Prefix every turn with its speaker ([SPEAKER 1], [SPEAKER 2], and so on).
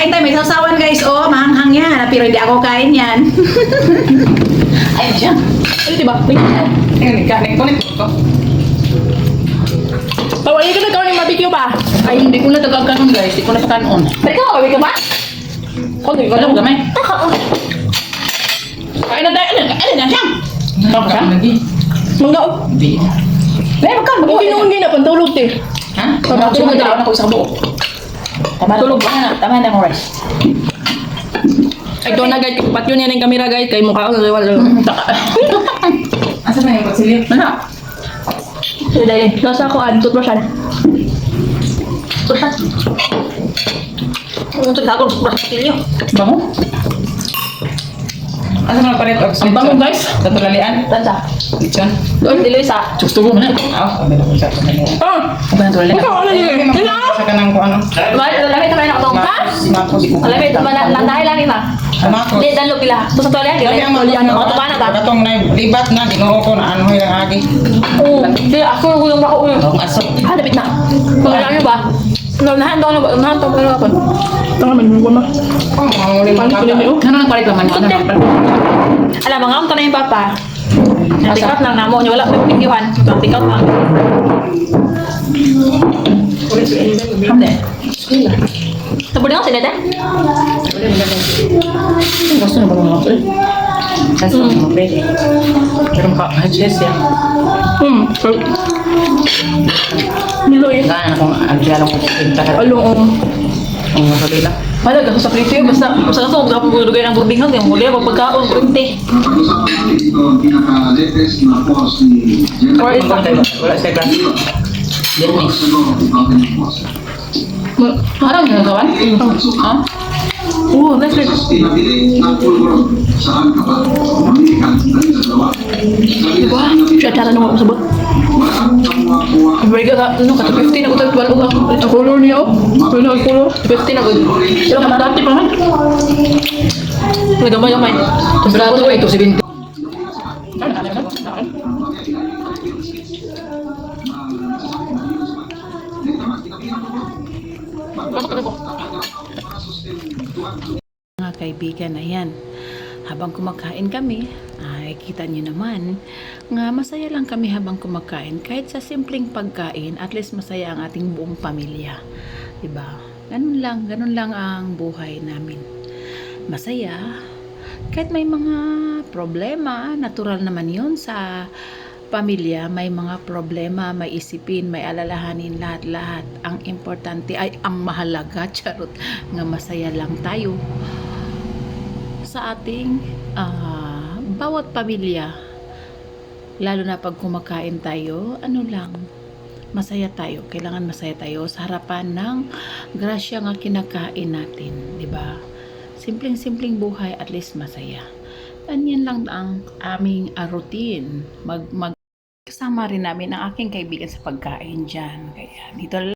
[SPEAKER 1] kain tayo. May sausawan guys. Oh, mahanghang yan. Pero hindi ako kain yan. Ayun siya.
[SPEAKER 2] Ano diba?
[SPEAKER 1] Tingnan ka. Tingnan ko.
[SPEAKER 2] Pawali ka na gawin yung barbecue ba?
[SPEAKER 1] Ay, hindi ko na tagagkanon guys. Hindi ko na kanon.
[SPEAKER 2] Teka, barbecue ba?
[SPEAKER 1] Okay, wala ko gamay. Kain na tayo. Alin na siya? Ano ka?
[SPEAKER 2] Mangga.
[SPEAKER 1] Hindi. May magkano?
[SPEAKER 2] Hindi na pantulog te.
[SPEAKER 1] Ha? Tulog na ako sa buo. Tulog ba? Tama na mo rice.
[SPEAKER 2] Ito na guys, pat yun yan yung camera guys. Kay mukha ko naliwala.
[SPEAKER 1] Asa na yung kutsilyo? Ano?
[SPEAKER 2] Sige dahil. Nasa ako ad. Toothbrush yan. Toothbrush. Ang toothbrush ako. Toothbrush kilyo.
[SPEAKER 1] Bango? Asa na palit? Ang bango guys? Sa tulalian?
[SPEAKER 2] Tansa.
[SPEAKER 1] Lechon?
[SPEAKER 2] Doon, dilo isa.
[SPEAKER 1] Gusto ko man. Sabi na ko sa tulalian.
[SPEAKER 2] Ah!
[SPEAKER 1] Sabi na tulalian.
[SPEAKER 2] Ikaw, ano yun?
[SPEAKER 1] Sa kanang ko ano?
[SPEAKER 2] Lamit naman ako itong. Ha? Lamit naman. Nandahay lang ima.
[SPEAKER 1] Ako.
[SPEAKER 2] Hindi, danlo pila. Ito sa tuwalya.
[SPEAKER 1] Sabi ang
[SPEAKER 2] Tuwalya na. Ito pa na ta.
[SPEAKER 1] Katong na libat na. Di mo ko na ano yung agi.
[SPEAKER 2] Oo. Hindi, ako yung ako yung.
[SPEAKER 1] Ang asok.
[SPEAKER 2] Ah, lapit na. Pagkala nyo ba? Nahan daw na ba? Nahan daw na ba? Tanga man, huwag na.
[SPEAKER 1] Oh, manguling
[SPEAKER 2] Paano ko nyo?
[SPEAKER 1] Ano nang palit naman? Ano nang palit?
[SPEAKER 2] Alam, mga amta na yung papa. Pick out lang namo. Wala may pikiwan. Pick out lang.
[SPEAKER 1] Hamde.
[SPEAKER 2] Tapos na ako sila dahil.
[SPEAKER 1] Gusto na ba mga ako? Kasi mga pwede. Pero maka-adjust yan.
[SPEAKER 2] Niloy.
[SPEAKER 1] Gana akong agyalang ko pinta ka.
[SPEAKER 2] Along.
[SPEAKER 1] Ang masabi lang.
[SPEAKER 2] Malaga sa prito yun. Basta sa kaso, kung pagulugay ng burbingan, yung muli, pagkaon, kurente.
[SPEAKER 1] Or is wala sa class. Dennis. Harang yung kawan? Ha?
[SPEAKER 2] Oo, that's good. Diba? Siya tara nung ako sabot. Mereka ka, ano ka, 15 ako tayo, 12 ako. Ito color niya, oh. Ano ang color? 15 ako. Sila ka dati pa man. Nagamay-gamay.
[SPEAKER 1] Brato ito, 70. Mga kaibigan, ayan. Habang kumakain kami, ay kita nyo naman nga masaya lang kami habang kumakain. Kahit sa simpleng pagkain, at least masaya ang ating buong pamilya. Diba? Ganun lang ang buhay namin. Masaya. Kahit may mga problema, natural naman yun sa pamilya. May mga problema, may isipin, may alalahanin, lahat-lahat. Ang importante ay ang mahalaga, charot, nga masaya lang tayo sa ating bawat pamilya. Lalo na pag kumakain tayo, masaya tayo. Kailangan masaya tayo sa harapan ng grasya nga kinakain natin, di ba? Simpleng-simpleng buhay, at least masaya. Yan lang ang aming routine. Kasama rin namin ang aking kaibigan sa pagkain dyan. Kaya dito